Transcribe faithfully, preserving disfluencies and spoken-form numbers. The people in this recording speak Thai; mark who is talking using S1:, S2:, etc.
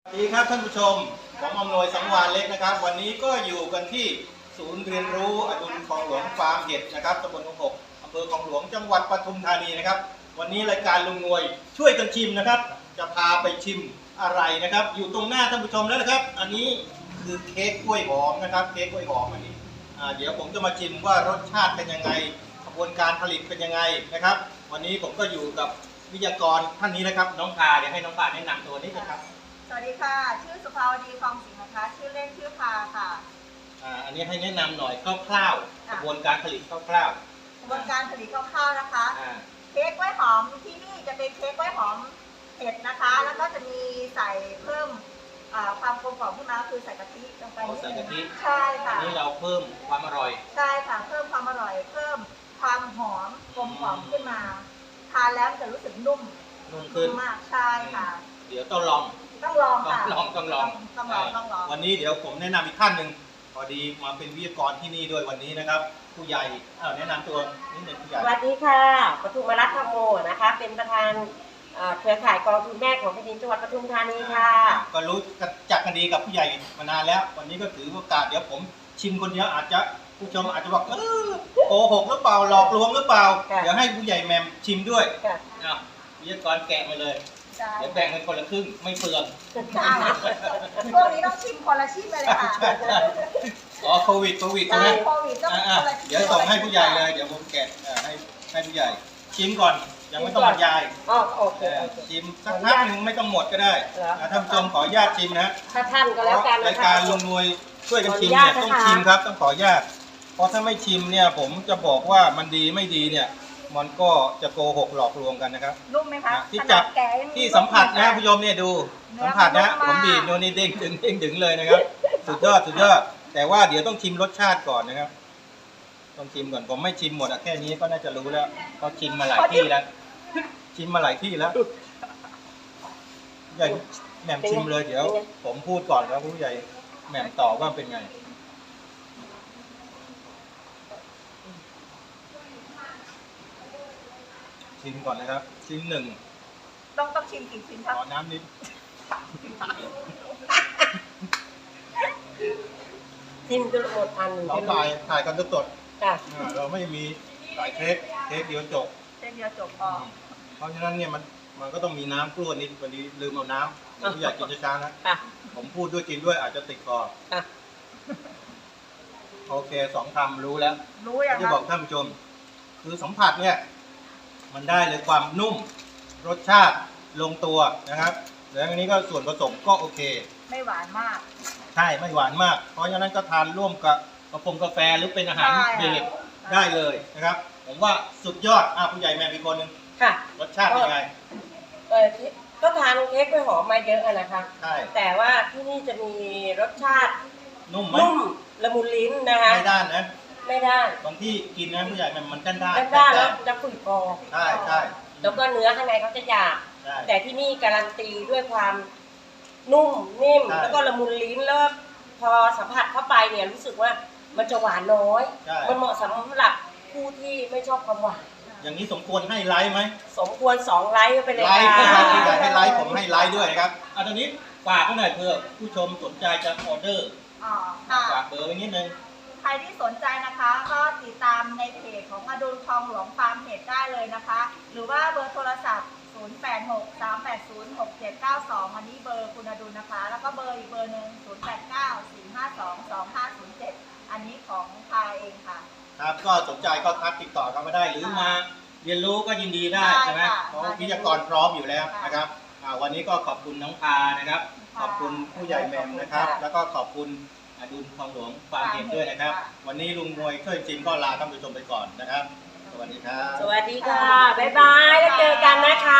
S1: สวัสดีครับท่านผู้ชมผมอำนวยสังวาลเล็กนะครับวันนี้ก็อยู่กันที่ศูนย์เรียนรู้อดุลคลองหลวงฟาร์มเห็ดนะครับตำบลหนองหกอำเภอคลองหลวงจังหวัดปทุมธานีนะครับวันนี้รายการลุงนวยช่วยกันชิมนะครับจะพาไปชิมอะไรนะครับอยู่ตรงหน้าท่านผู้ชมแล้วนะครับอันนี้คือเค้กกล้วยหอมนะครับเค้กกล้วยหอมอันนี้เดี๋ยวผมจะมาชิมว่ารสชาติเป็นยังไงกระบวนการผลิตเป็นยังไงนะครับวันนี้ผมก็อยู่กับวิทยากรท่านนี้นะครับน้องพาเดี๋ยวให้น้องพาแนะนำตัวนิดนะครับ
S2: สวัสดีค่ะชื่อสุภาวดีคลองสิงห์นะคะชื่อเล่นชื่อพาค่ะ
S1: อ่าอันนี้ให้แนะนำหน่อยคร่าวๆกระบวนการผลิตคร่าว
S2: ๆกระบวนการผลิตคร่าวๆนะคะเค้กกล้วยหอมที่นี่จะเป็นเค้กกล้วยหอมเห็ดนะคะแล้วก็จะมีใส่เพิ่มความกลมกล่อมขึ้นมาคือใส่กะทิลงไปนิดนึงใช่ค่ะ
S1: อันนี้เราเพิ่มความอร่อย
S2: ใช่ค่ะเพิ่มความอร่อยเพิ่มความหอมกลมกล่อมขึ้นมาทานแล้วจะรู้สึกนุ่ม
S1: นุ่มขึ้น
S2: มากใช่ค่ะ
S1: เดี๋ยวต้องลอง
S2: ต้องลองค่ะ
S1: ต้องลองต้องลอง
S2: ต้องลองต้องลอง
S1: วันนี้เดี๋ยวผมแนะนำอีกท่านหนึ่งพอดีมาเป็นวิทยากรที่นี่ด้วยวันนี้นะครับผู้ใหญ่แนะนำตัวนิดหนึ่งผู้ใหญ่
S3: สวัสดีค่ะปทุมรัตน์ธรรมโมนะคะเป็นประธานเครือข่ายกองทุนแม่ของแผ่นดินจังหวัดปทุมธานีค่ะ
S1: ก็รู้จักกันดีกับผู้ใหญ่มานานแล้ววันนี้ก็ถือโอกาสเดี๋ยวผมชิมคนเดียวอาจจะผู้ชมอาจจะบอกเออโกหกหรือเปล่าหลอกลวงหรือเปล่าเดี๋ยวให้ผู้ใหญ่แมมชิมด้วยวิทยากรแกะมาเลยเดี๋ยวแบ่งเป็นคนละครึ่งไม่เปลือง
S2: พวกนี้ต้องชิมคนละชิมเลยค่ะ
S1: อ๋อโควิดโควิดใช่ไหมโควิดต้องคนละชิมเดี๋ยวส่งให้ผู้ใหญ่เลยเดี๋ยวผมแกะให้ให้ผู้ใหญ่ชิมก่อนยังไม่ต้องบรรยาย
S3: อ๋อโอเค
S1: ชิมสักพักหนึ่งไม่ต้องหมดก็ได้ท่านผู้ชมขออนุญาตชิมนะ
S3: ถ้าท่านก็แล้วกัน
S1: รายการลุงนวยช่วยกันชิมเนี่ยต้องชิมครับต้องขออนุญาตเพราะถ้าไม่ชิมเนี่ยผมจะบอกว่ามันดีไม่ดีเนี่ยมันก็จะโกหกหลอกลวงกันนะครับ
S2: นุ่มไหมคะ
S1: ที่จับที่สัมผัสนะผู้ชมเนี่ยดูสัมผัสนะผมบีบโนนี่เด้งดึงเด้งดึงเลยนะครับสุดยอดสุดยอดแต่ว่าเดี๋ยวต้องชิมรสชาติก่อนนะครับต้องชิมก่อนผมไม่ชิมหมดอะแค่นี้ก็น่าจะรู้แล้วเขาชิมมาหลายที่แล้วชิมมาหลายที่แล้วใหญ่แหม่มชิมเลยเดี๋ยวผมพูดก่อนแล้วผู้ใหญ่แหม่มตอบว่าเป็นไงชิมก่อนนะครับชิ้นหนึ่ง
S2: ต้องต้องชิมกี่ชิ้นครับ
S1: ขอน้ำนิด
S3: ชิมจนหมดอัน
S1: เราถ่ายถ่ายกันสดๆเราไม่มีถ่ายเค้กเค้กเดียวจบ
S2: เค้กเดียวจบพอ
S1: เพราะฉะนั้นเนี่ยมันมันก็ต้องมีน้ำกล้วยนิดวันนี้ลืมเอาน้ำผู้ใหญ่กินช้าๆนะผมพูดด้วยกินด้วยอาจจะติดคอโอเคสองคำรู้แล้ว
S2: รู้ยัง
S1: ที่บอกท่านผู้ชมคือสัมผัสเนี่ยมันได้เลยความนุ่มรสชาติลงตัวนะครับแล้วอันนี้ก็ส่วนผสมก็โอเค
S2: ไม่หวานมาก
S1: ใช่ไม่หวานมากเพราะฉะนั้นก็ทานร่วมกับกาแฟกาแฟหรือเป็นอาหารเบรกได้เลยนะครับผมว่าสุดยอดอ่ะผู้ใหญ่แม่อีกคนนึง
S3: ค่ะ
S1: รสชาติเป็นไง
S3: เออก็ทานเค้กกล้วยหอมมาเยอะนะคะ
S1: ใช่
S3: แต่ว่าที่นี่จะมีรสชาติ
S1: นุ่มไหม
S3: นุ่มละมุนลิ้นนะคะ
S1: ไม่ด้านนะ
S3: ไม่ได้
S1: บางที่กินนะผู้ใหญ่มันมันด้านด้าน
S3: ด้านแล้วจะฝืดคอ
S1: ใช่ใช่
S3: แล้วก็เนื้อข้างในเขาจะหยาบแต่ที่นี่การันตีด้วยความนุ่มนิ่มแล้วก็ละมุนลิ้นแล้วพอสัมผัสเข้าไปเนี่ยรู้สึกว่ามันจะหวานน้อยมันเหมาะสำหรับผู้ที่ไม่ชอบความหวาน
S1: อย่างนี้สมควรให้ไลค์ไหม
S3: สมควรสองไลค์ไปเลย
S1: ไลค์ครับผู้ใหญ่ให้ไลค์ผมให้ไลค์ด้วยครับอ่ะตอนนี้ฝากไว้หน่อยเพื่อผู้ชมสนใจจะออเดอร์ฝากเบอร์ไว้นิดนึง
S2: ใครที่สนใจนะคะก็ติดตามในเพจของอดุลคลองหลวงฟาร์มเห็ดได้เลยนะคะหรือว่าเบอร์โทรศัพท์ศูนย์ แปด หก สาม แปด ศูนย์ หก เจ็ด เก้า สองอันนี้เบอร์คุณอดุลนะคะแล้วก็เบอร์อีกเบอร์หนึ่งศูนย์ แปด เก้า สี่ ห้า สอง สอง ห้า ศูนย์ เจ็ดอันนี้ของพาเองค่ะ
S1: ครับก็สนใจก็ทักติดต่อกันมาได้หรือมาเรียนรู้ก็ยินดีได้ใช่ไหมเพราะวิทยากรพร้อมอยู่แล้วนะครับวันนี้ก็ขอบคุณน้องพานะครับขอบคุณผู้ใหญ่แมมนะครับแล้วก็ขอบคุณอดุลคลองหลวงฟาร์มเห็ดด้วยนะครับวันนี้ลุงนวยช่วยจริงก็ลาท่านผู้ชมไปก่อนนะครับสวัสดีครับ
S3: สวัสดีค่ะบ๊ายบายแล้วเจอกันนะคะ